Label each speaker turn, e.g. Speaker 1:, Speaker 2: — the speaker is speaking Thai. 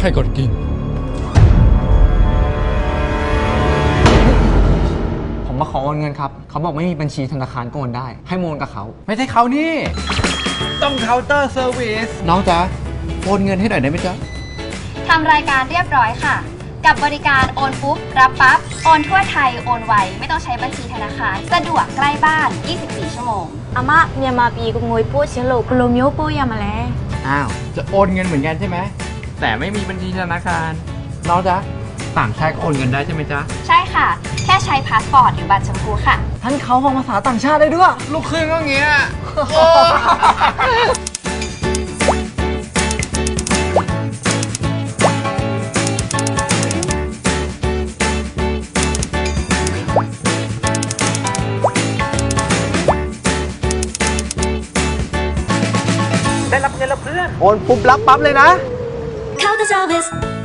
Speaker 1: รกดกิ่ง
Speaker 2: ผมมาขอโอนเงินครับเขาบอกไม่มีบัญชีธนาคารก็โอนได้ให้โอนกับเขา
Speaker 3: ไม่ใช่เขานี่ต้องเคาน์เตอร์เซอร์วิสน้องจ๊ะโอนเงินให้หน่อยได้ไหมจ๊ะ
Speaker 4: ทำรายการเรียบร้อยค่ะ กับบริการโอนปุ๊บ รับปั๊บ โอนทั่วไทย โอนไว ไม่ต้องใช้บัญชีธนาคาร สะดวกใกล้บ้าน 24 ชั่วโมง
Speaker 5: อาม่าเมียมาปีกุงงวยปูเชลโลกโลมิโอโปยามาแล้ว
Speaker 3: อ้าวจะโอนเงินเหมือนกันใช่ไหมแต่ไม่มีบัญชีธนาคารน้องจ๊ะต่างชาติก็โอนเงินได้ใช่ไหมจ๊ะ
Speaker 4: ใช่ค่ะ แค่ใช้พาสปอร์ตหรือบัตรชมพูค่ะ
Speaker 2: ท่านเขาฟังภาษาต่างชาติได้ด้วย
Speaker 3: ลูกครึ่งก็เงี้ย ได้รับเงินแล้วเพื่อน
Speaker 2: โอนปุ๊บรับปั๊บเลยนะ
Speaker 6: Counter Service